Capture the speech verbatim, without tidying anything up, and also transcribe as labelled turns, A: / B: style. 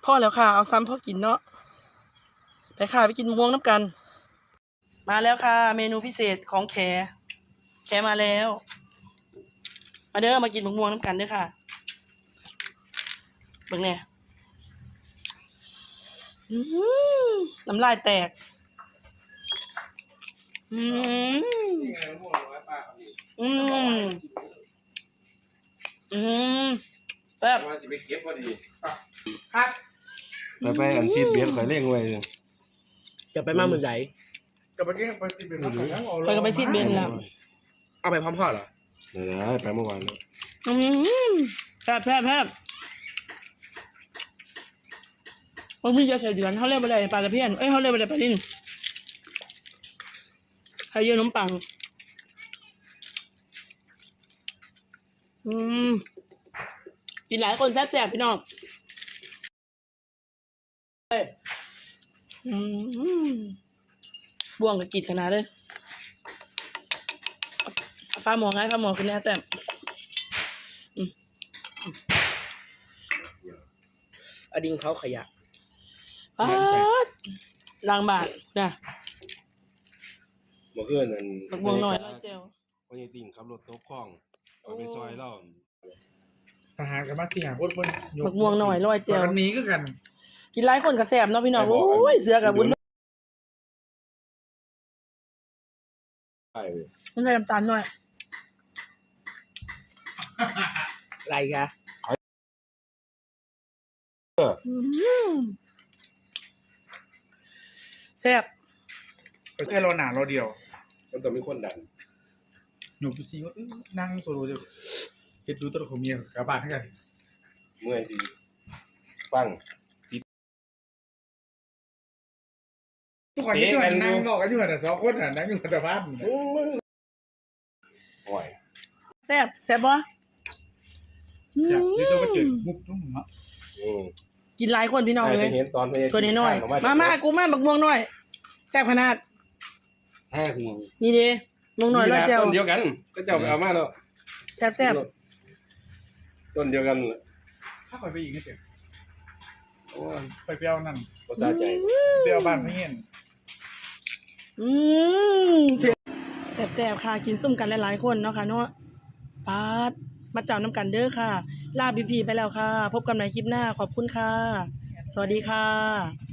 A: พ่อแล้วค่ะเอาซ้ำพ่อกินเนาะไปค่ะไปกินมะม่วงน้ำกันมาแล้วค่ะเมนูพิเศษของแขแขมาแล้วมาเด้อมากินมะม่วงน้ำกันเด้อค่ะเบิ่งแน่น้ำลายแตกอืมอืมอืมแบบ
B: ว่าสิไปเก็บพอดี
C: ครับ
D: ไปไปอันซีดเบียดข่อยเร่งไว้
C: จะไปมาเมืองไหน
B: กับไปเก็บไปซีดเบียดแล้ว
A: เคยก็ไปซีดเบนแล้ว
C: เอาไปพร้อมพ่อเหรอ
D: เดี๋ยวไปเมื่อวานแล้ว
A: อืมแพบแพบแพบบางทีจะใส่เดือนเขาเรียกอะไรปลาตะเพียนเอ้ยเขาเรียกอะไรปลาลิ้นไข่เยื่อน้ำปังอืมกินหลายคนแซ่บแซ่บพี่น้องเอ้ยอืมบ่วงกับกิดขนาดเลยฟ้าหมอไงฟ้าหมอคือแน่แต่
C: อดิงเขาขยะ
A: ป๊าดล้างบาทนะ
D: เมื่อคืนนั่น
A: บักม่วงหน่อยร้อยเจล
D: วันนี้ติ่งขับรถตกคลองเอาไปซอยเล่า
B: ทหารกับมาสี่หาคนคน
A: บักม่วงหน่อยร้อยเจล
B: วันนี้ก็กัน
A: กินหลายคนก็แซ่บเนาะพี่น้องโอ้ยเสือกับบุญ
D: ไปเว้ย
A: มันใส่น้ำตาลหน่อย
C: อะไรคะ
A: แซ่บ
B: แค่รอหนาเราเดียว
D: มันต้องมีคนดัน
B: หนูดูซีว่านั่งโซโล่จะเห็นดูตัวของเมียกับบ้านกัน
D: เมื่อยสิฟัง
B: ทุกคนที่อยู่นั่งบอกกันอยู่แต่สองคนน่ะนั่งอยู่แต่บ้าน
D: โอ้ย
A: แซ่บแซ่บบ่
B: อยากที่จะมาเจอมุกทุ่งเนาะ
A: กินหลายคนพี่น้องเลย
D: เห็นตอนไป
A: ตัวน้อยๆมามากูมาบักม่วงหน่อยแซ่บขนาด
D: แท้ห่วง
A: นี่ดิม่วงหน่อยร้อยเจล
D: ต้นเดียวกันก็เจ้าเอามาแล้ว
A: แซ่บแซ่บ
D: ต้นเดียวกัน
B: ถ้าคอยไปอีกนิดเดียวไปเปรี้ยวนั่น
D: ภาษาใจ
B: เปรี้ยวบ้านพี่เห็น
A: อืมแซ่บแซ่บค่ะกินซุ่มกันหลายๆคนเนาะค่ะเนาะปาดมาเจ้าน้ำกันเด้อค่ะลาบีพีไปแล้วค่ะพบกันในคลิปหน้าขอบคุณค่ะสวัสดีค่ะ